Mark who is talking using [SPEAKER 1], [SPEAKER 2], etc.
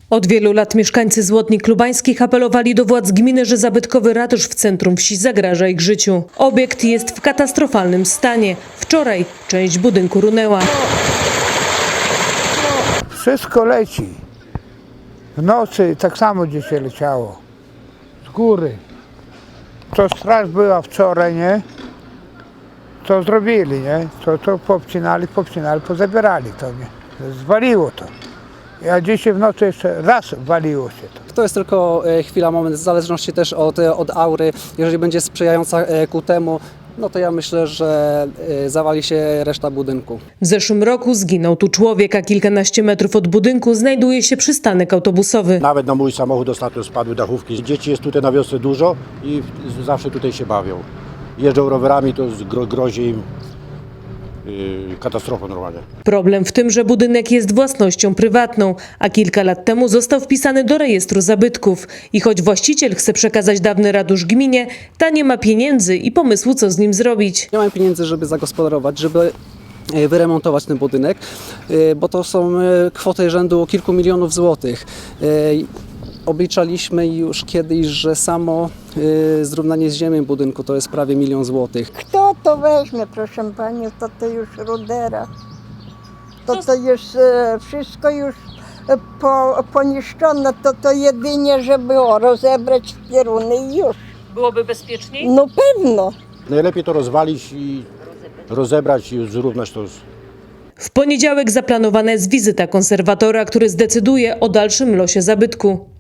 [SPEAKER 1] Od wielu lat mieszkańcy Złotnik Lubańskich apelowali do władz gminy, że zabytkowy ratusz w centrum wsi zagraża ich życiu. Obiekt jest w katastrofalnym stanie. Wczoraj część budynku runęła.
[SPEAKER 2] Wszystko leci. W nocy tak samo dzisiaj leciało. Z góry. To straż była wczoraj, nie? To zrobili, nie? To popcinali, pozabierali to, nie? Zwaliło to. A dzisiaj w nocy jeszcze raz waliło się to.
[SPEAKER 3] To jest tylko chwila, moment, w zależności też od aury. Jeżeli będzie sprzyjająca ku temu, no to ja myślę, że zawali się reszta budynku.
[SPEAKER 1] W zeszłym roku zginął tu człowiek, a kilkanaście metrów od budynku znajduje się przystanek autobusowy.
[SPEAKER 4] Nawet na mój samochód ostatnio spadły dachówki. Dzieci jest tutaj na wiosce dużo i zawsze tutaj się bawią. Jeżdżą rowerami, to grozi im katastrofą normalnie.
[SPEAKER 1] Problem w tym, że budynek jest własnością prywatną, a kilka lat temu został wpisany do rejestru zabytków. I choć właściciel chce przekazać dawny ratusz gminie, ta nie ma pieniędzy i pomysłu, co z nim zrobić.
[SPEAKER 3] Nie mamy pieniędzy, żeby zagospodarować, żeby wyremontować ten budynek, bo to są kwoty rzędu kilku milionów złotych. Obliczaliśmy już kiedyś, że samo zrównanie z ziemią budynku to jest prawie 1 000 000 złotych.
[SPEAKER 5] Kto to weźmie, proszę Pani, to już rudera. To już wszystko już poniszczone, to jedynie, żeby rozebrać pieruny i już.
[SPEAKER 1] Byłoby bezpieczniej?
[SPEAKER 5] No pewno.
[SPEAKER 4] Najlepiej to rozwalić i rozebrać i zrównać to.
[SPEAKER 1] W poniedziałek zaplanowana jest wizyta konserwatora, który zdecyduje o dalszym losie zabytku.